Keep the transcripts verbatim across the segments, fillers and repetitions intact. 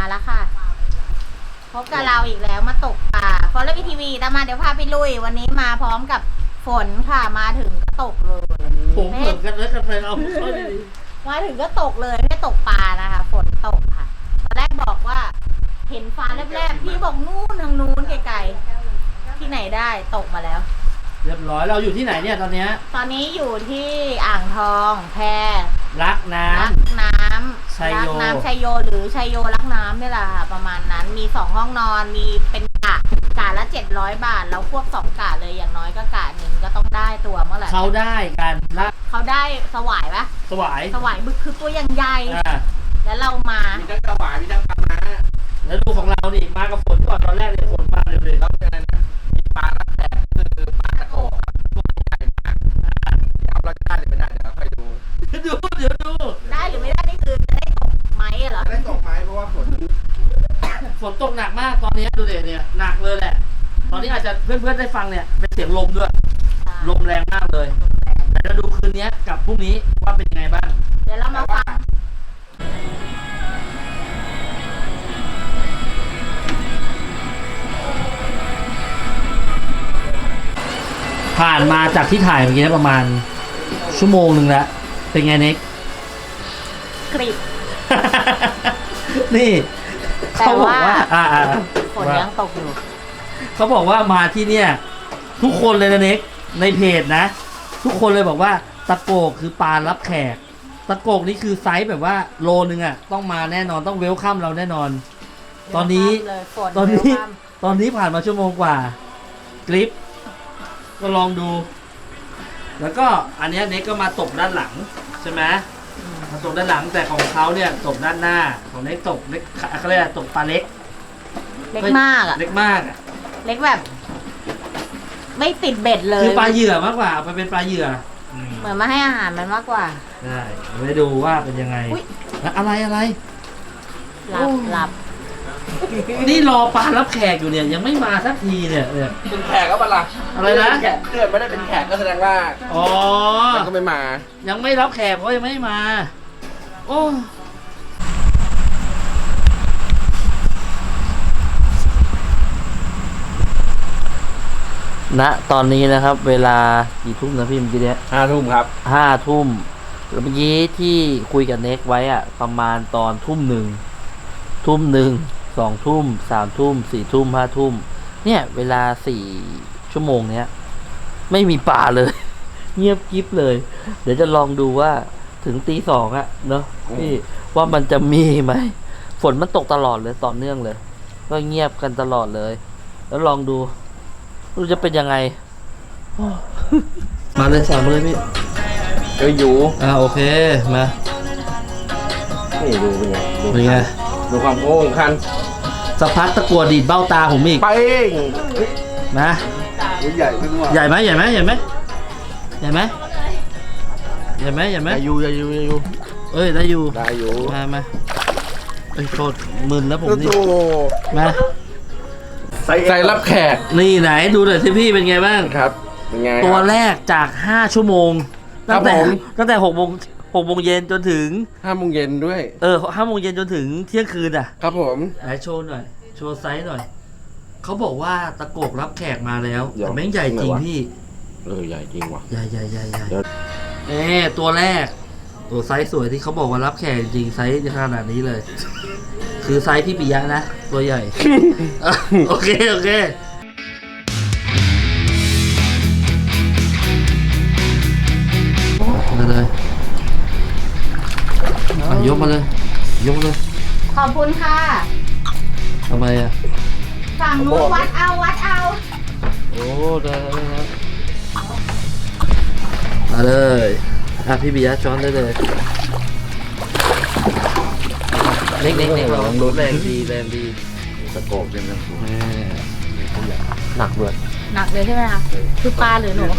แล้วค่ะพบกับเราอีกแล้วมาตกปลาฟอร์เรสต์ทีวีตามมาเดี๋ยวพาไปลุยวันนี้มาพร้อมกับฝนค่ะมาถึงก็ตกเลยผมเหมือนกันแล้วกันไปเอาเขาดีมาถึงก็ตกเลยไม่ตกปลานะคะฝนตกค่ะตอนแรกบอกว่าเห็นฟ้าแลบๆพี่บอกนู่นทางนู้นไกลๆที่ไหนได้ตกมาแล้วเรียบร้อยเราอยู่ที่ไหนเนี่ยตอนนี้ตอนนี้อยู่ที่อ่างทองแพรักน้ำรักน้ำชัยโยรักน้ำชัยโยหรือชัยโยรักน้ำนี่แหละค่ะประมาณนั้นมีสองห้องนอนมีเป็นกะกะละเจ็ดร้อยบาทเราควบสองกะเลยอย่างน้อยก็กะหนึ่งก็ต้องได้ตัวเมื่อไหร่เขาได้กันละเขาได้สวายปะสวายสวายบึกคือตัวอย่างใหญ่แล้วเรามามีทั้งสวายมีทั้งปลาม้าแล้วดูของเรานี่มากับฝนก่อนตอนแรกเลยฝนมาเร็วเลยแล้วยังไงนะมีปลาลักแขกคือปลาตะโกครับตัวใหญ่มากเอาเราได้หรือไม่ได้เดี๋ยวเราค่อยดูดูเดี๋ยวดูได้หรือไม่ได้นี่คือจะได้ตกไหมเหรอได้ตกไหมเพราะว่าฝนฝนตกหนักมากตอนนี้ดูเด็เนี่ยหนักเลยแหละตอนนี้อาจจะเพื่อนๆได้ฟังเนี่ยเป็นเสียงลมด้วยลมแรงมากเลยแต่จะดูคืนนี้กับพรุ่งนี้ว่าเป็นยังไงบ้างเดี๋ยวเรามาฟังผ่านมาจากที่ถ่ายเมื่อกี้ประมาณชั่วโมงหนึ่งแล้วเป็นไงเน็กกริบนี่เขาบอกว่าอ่าฝนยังตกอยู่เขาบอกว่ามาที่เนี่ยทุกคนเลยนะเน็กในเพจนะทุกคนเลยบอกว่าตะโกกคือปลารับแขกตะโกกนี่คือไซส์แบบว่าโลนึงอ่ะต้องมาแน่นอนต้องเวลคัมเราแน่นอนตอนนี้ตอนนี้ตอนนี้ผ่านมาชั่วโมงกว่ากริปก็ลองดูแล้วก็อันนี้เน็กก็มาตกด้านหลังใช่ไหมมาตกด้านหลังแต่ของเขาเนี่ยตกด้านหน้าของเน็กตกเล็กเขาเรียกตกปลาเล็กเล็กมากอ่ะเล็กมากอ่ะเล็กแบบไม่ติดเบ็ดเลยคือปลาเหยื่อมากกว่าไปเป็นปลาเหยื่อเหมือนมาให้อาหารมันมากกว่าใช่ไปดูว่าเป็นยังไงอะไรอะไรหลับหลับนี่รอปลารับแขกอยู่เนี่ยยังไม่มาสักทีเนี่ยเนี่ยเป็นแขกก็มาละอะไรนะเกิดไม่ได้เป็นแขกก็แสดงว่าอ๋อมันก็ไม่มายังไม่รับแขกเพราะยังไม่มาโอ้ณตอนนี้นะครับเวลากี่ทุ่มนะพี่เมื่อกี้เนี้ยห้าทุ่มครับห้าทุ่มเมื่อกี้ที่คุยกับเน็กไว้อะประมาณตอนทุ่มหนึ่งทุ่มหนึ่งสองทุ่มสามทุ่มสี่ทุ่มห้าทุ่มเนี่ยเวลาสี่ชั่วโมงเนี้ยไม่มีปลาเลยเงียบกิ๊บเลยเดี๋ยวจะลองดูว่าถึงตีสองอะเนาะพี่ว่ามันจะมีไหมฝนมันตกตลอดเลยต่อเนื่องเลยก็เงียบกันตลอดเลยแล้วลองดูรู้จะเป็นยังไงมาเลยสั่งมาเลยพี่เจออยู่อ่าโอเคมานี่ดูเป็นไงเป็นไงดูความโง่ของคันสักพักตะกัวดีดเบ้าตาผมอีกไปเองนะใหญ่ไม่รู้ใหญ่ไหมใหญ่ไหมใหญ่ไหมใหญ่ไหมใหญ่ไหมใหญ่ไหมอยู่ใหญ่อยู่ใหญ่อยู่เอ้ยได้อยู่ได้อยู่มามาเอ้ยโทษมึนแล้วผมนี่มาใส่รับแขกนี่ไหนดูหน่อยสิพี่เป็นไงบ้างครับเป็นไงตัวแรกจากห้าชั่วโมงตั้งแต่ตั้งแต่หกโมงหกโมงเย็นจนถึงห้าโมงเย็นด้วยเออห้าโมงเย็นจนถึงเที่ยงคืนอ่ะครับผมไหนโชว์หน่อยโชว์ไซส์หน่อยเขาบอกว่าตะโกกรับแขกมาแล้วแต่แม่งใหญ่จริงพี่เออใหญ่จริงว่ะใหญ่ใหญ่ใหญ่ใหญ่เอ๊ตัวแรกตัวไซส์สวยที่เขาบอกว่ารับแขกจริงไซส์ขนาดนี้เลยคือไซส์พี่ปิยะนะตัวใหญ่ โอเคโอเคมาเลยยกมาเลยยกเลยขอบคุณค่ะทำไมอ่ะฝั่งนู้นวัดเอาวัดเอาโอ้ได้แล้วมาเลยอ่ะพี่ปิยะช้อนได้เลยเล็กเล็กเล็กเราลดแรงดีแรงดีตะโกกเป็นแรงสูงหนักด้วยหนักเลยใช่ไหมคะคือปลาหรือหนู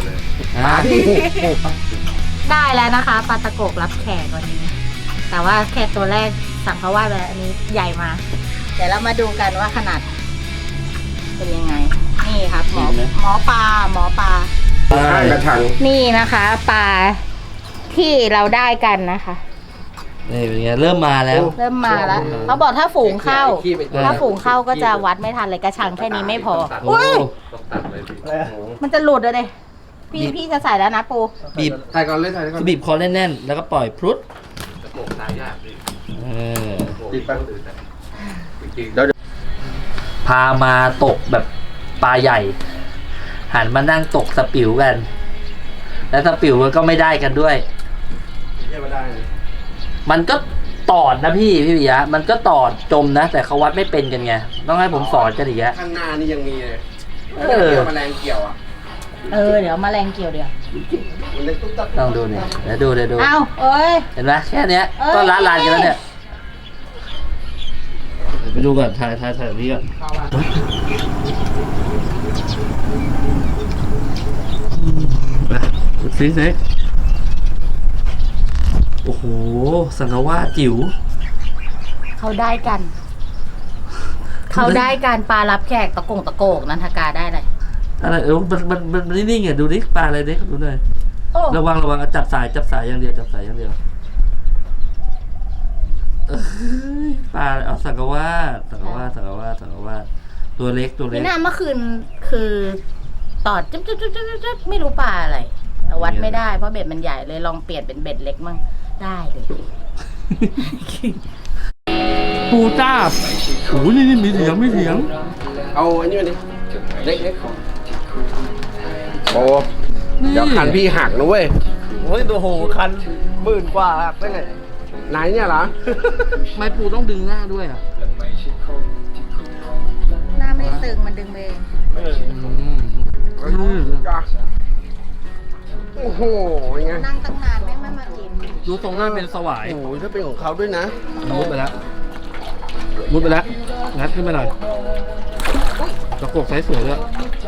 ได้แล้วนะคะปลาตะโกกรับแขกวันนี้แต่ว่าแค่ตัวแรกสั่งเขาว่าแบบอันนี้ใหญ่มาเดี๋ยวเรามาดูกันว่าขนาดเป็นยังไงนี่ครับหมอหมอปลาหมอปลาข้างกระชังนี่นะคะปลาที่เราได้กันนะคะนี่เป็นไงเริ่มมาแล้วเริ่มมาแล้วเขาบอกถ้าฝูงเข้าขี้ไปถ้าฝูงเข้าก็จะวัดไม่ทันเลยกระชังแค่นี้ไม่พอโอ้อุ้ยต้องตัดเลยพี่มันจะหลุดเลยดิพี่พี่จะใส่แล้วนะปูบีบถ่ายก่อนเลยถ่ายก่อนบีบคอแน่นๆแล้วก็ปล่อยพรุดตะโกกตายยากพี่เออติดไปจริงๆเดี๋ยวพามาตกแบบปลาใหญ่ หันมานั่งตกสปิวกัน แล้วสปิวมันก็ไม่ได้กันด้วยเยี่ยมไม่ได้เลยมันก็ตอดนะพี่พี่ปิยะมันก็ตอดจมนะ แต่เขาวัดไม่เป็นกันไงต้องให้ผมสอนกันอีกอะข้างหน้านี่ยังมีเลยเออเกี่ยวแมลงเกี่ยวอ่ะเออเดี๋ยวแมลงเกี่ยวเดี๋ยวมันเล็กตุ๊บตับต้องดูเนี่ยเดี๋ยวดูเดี๋ยวดูอ้าวเอ้ยเห็นไหมแค่เนี้ยเอ้ยก็ละลานกันแล้วเนี่ยไปดูก่อนถ่ายถ่ายถ่ายนี้ก่อนซีเซ็กโอ้โหสังกว่าจิ๋วเขาได้กัน เขาได้การปลารับแขกตะกงตะโกกนันทกาได้เลยอะไรเออมันมันมันมันนิ่งๆอ่ะดูดิปลาอะไรเด็กดูหน่อยโอ้ระวังระวังอ่ะจับสายจับสายอย่างเดียวจับสายอย่างเดียวเอ้ยปลาเอาสังกว่าสังกว่าสังกว่าสังกว่าตัวเล็กตัวเล็พี่กนาเมื่อคืนคือตอดจุ๊บจุ๊บจุ๊บจุ๊บจุ๊บไม่รู้ปลาอะไรแต่วัดไม่ได้เพราะเบ็ดมันใหญ่เลยลองเปลี่ยนเป็นเบ็ดเล็กมั่งได้เลยปูจ้าบโอ้ยนี่นี่มีเถียงมีเถียงเอาอันนี้มาดิเล็กเล็กโอ้นี่เดี๋ยวคันพี่หักนะเว้ยโอ้ยตัวโหคันหมื่นกว่าหักได้ไงไหนเนี่ยเหรอไม่ปูต้องดึงหน้าด้วยอ่ะหน้าไม่ได้ตึงมันดึงเองโอ้โหยังไงนั่งตั้งนานแม่งไม่มากินดูตรงหน้าเป็นสวายโอ้โหถ้าเป็นของเขาด้วยนะมุดไปแล้วมุดไปแล้วงัดขึ้นมาหน่อยตะโกกไซส์สวยด้วย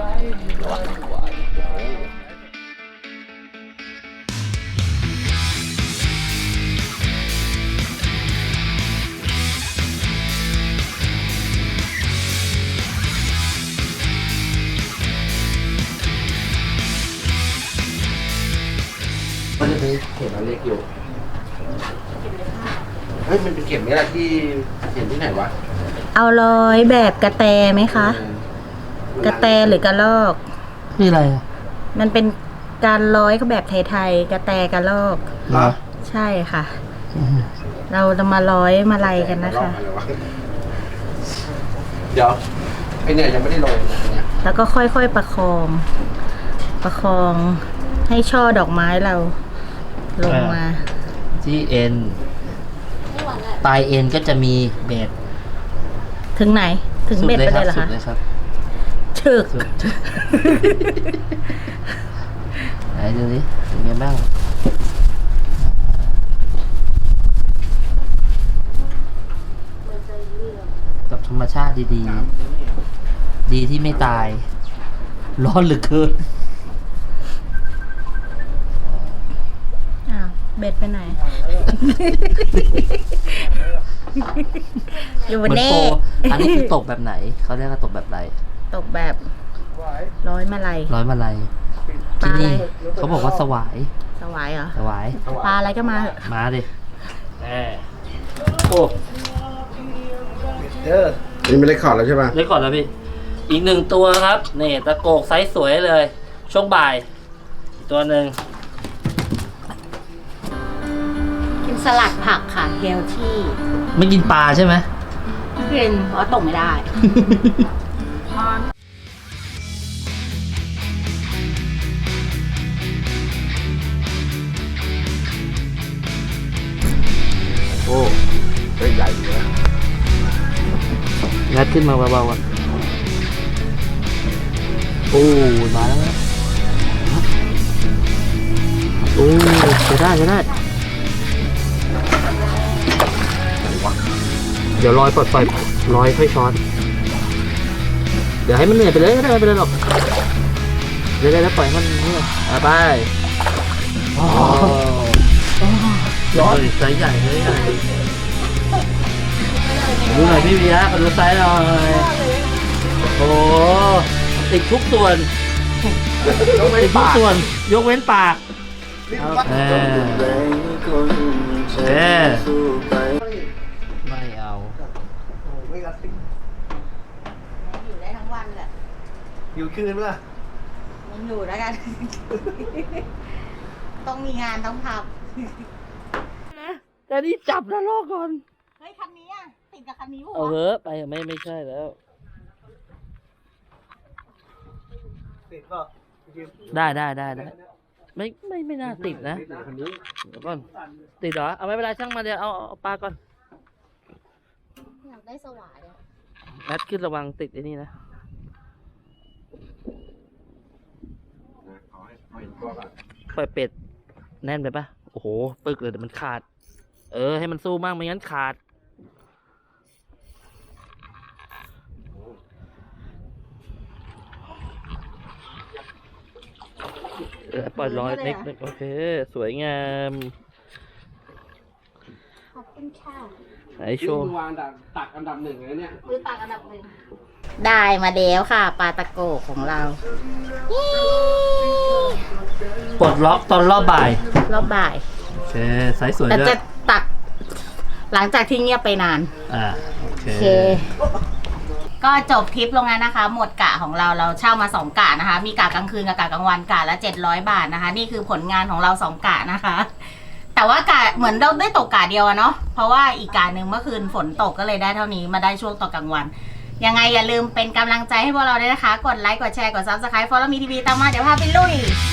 มันจะเป็นเข็มอันเล็กอยู่เฮ้ยมันเป็นเข็มนี่แหละที่เห็นที่ไหนวะเอาร้อยแบบกระแตไหมคะ กระแตหรือกระลอกนี่อะไรอ่ะมันเป็นการร้อยก็แบบไทยๆกระแตกระลอกเหรอใช่ค่ะ เราจะมาร้อยมาลัยกันนะคะอะไรวเดี๋ยวไอเนี่ยยังไม่ได้ลงเนี่ยแล้วก็ค่อยๆประคอง ประคองให้ช่อดอกไม้เราลงมาที่เอ็นปลายเอ็นก็จะมีเบ็ดถึงไหน ถึงเบ็ดไปเลยเหรอสุคะดเลยครับฉึกสุดไหนดูดิเป็นไงบ้างกับธรรมชาติดีๆ ดีที่ไม่ตาย ร้อนเหลือเกินอ้าวเบ็ดไปไหน อยู่บนเหมือนเน่โปรอันนี้คือตกแบบไหน เขาเรียกว่าตกแบบไรตกแบบร้อยมาลัยร้อยมาลัยปลาที่อะไรนี่เขาบอกว่าสวายสวายเหรอสวายปลาอะไรก็มาเถอะมาดิแหมโอ้เออนี่ไม่ได้ขอดแล้วใช่ป่ะเล็กก่อนแล้วพี่ อีกหนึ่งตัวครับ นี่ตะโกกไซส์สวยเลย ช่วงบ่ายอีกตัวหนึ่งกินสลัดผักค่ะเฮลที่ไม่กินปลาใช่ไหมกินเพราะตกไม่ได้โอ้เฮ้ยใหญ่อยู่นะงัดขึ้นมาเบาๆก่อนโอ้มาแล้วนะโอ้จะได้จะได้ เดี๋ยวลอยปล่อยปล่อยลอยค่อยช้อน เดี๋ยวให้มันเหนื่อยไปเลยก็ได้ไม่เป็นไรหรอกเดี๋ยวได้ปล่อยให้มันเนี่ยอ่ะไปอ๋อร้อนไซส์ใหญ่เลยใหญ่ดูหน่อยพี่วิยะมาดูไซส์หน่อยโอ้โหติดทุกส่วนติดทุกส่วน ยกเว้นปากเออเออไม่เอาโอ้ไม่กระติกอยู่ได้ทั้งวันแหละอยู่คืนปะล่ะยังอยู่แล้วกัน ต้องมีงานต้องทแต่นี่จับนะรอก่อนำเฮ้ยคันนี้อ่ะติดกับคันนี้ปะเอาวะเถอะไปไม่ไม่ใช่แล้วติดเปล่ะได้ได้ได้ได้ไม่ไม่ไม่น่าติดนะคันนี้เดี๋ยวก่อนติดเหรอเอาไม่เป็นไรช่างมาเดี๋ยวเอาเอาปลาก่อนอยากได้สว่านเลยแอดขึ้นระวังติดไอ้นี่นะเอาให้เอาเห็นตัวก่อนปล่อยเป็ดแน่นไปปะโอ้โหปึกเลยเดี๋ยวมันขาด เออให้มันสู้มากไม่งั้นขาดเออปล่อยรอยเล็กๆโอเค สวยงามขอบคุณค่ะไอโชว์วางตักอันดับหนึ่งเลยเนี่ยมือตักอันดับหนึ่งได้มาแล้วค่ะปลาตะโกกของเราปลดล็อกตอนรอบบ่ายรอบบ่ายโอเคไซส์สวยแต่ด้วจะยตักหลังจากที่เงียบไปนานอ่าโอเคโอเค ก็จบทริปลงแล้วนะคะ หมดกะของเราเราเช่ามาสองกะนะคะ มีกะกลางคืนกับกะกลางวันกะละเจ็ดร้อยบาทนะคะ นี่คือผลงานของเราสองกะนะคะ แต่ว่ากะเหมือนเราได้ตกกะเดียวอะเนาะเพราะว่าอีกกะหนึ่งเมื่อคืนฝนตกก็เลยได้เท่านี้มาได้ช่วงตอนกลางวัน ยังไงอย่าลืมเป็นกำลังใจให้พวกเราด้วยนะคะ กดไลค์กดแชร์กดซับสไครป์ฟอลโล่มีทีวีตามมาเดี๋ยวพาไปลุย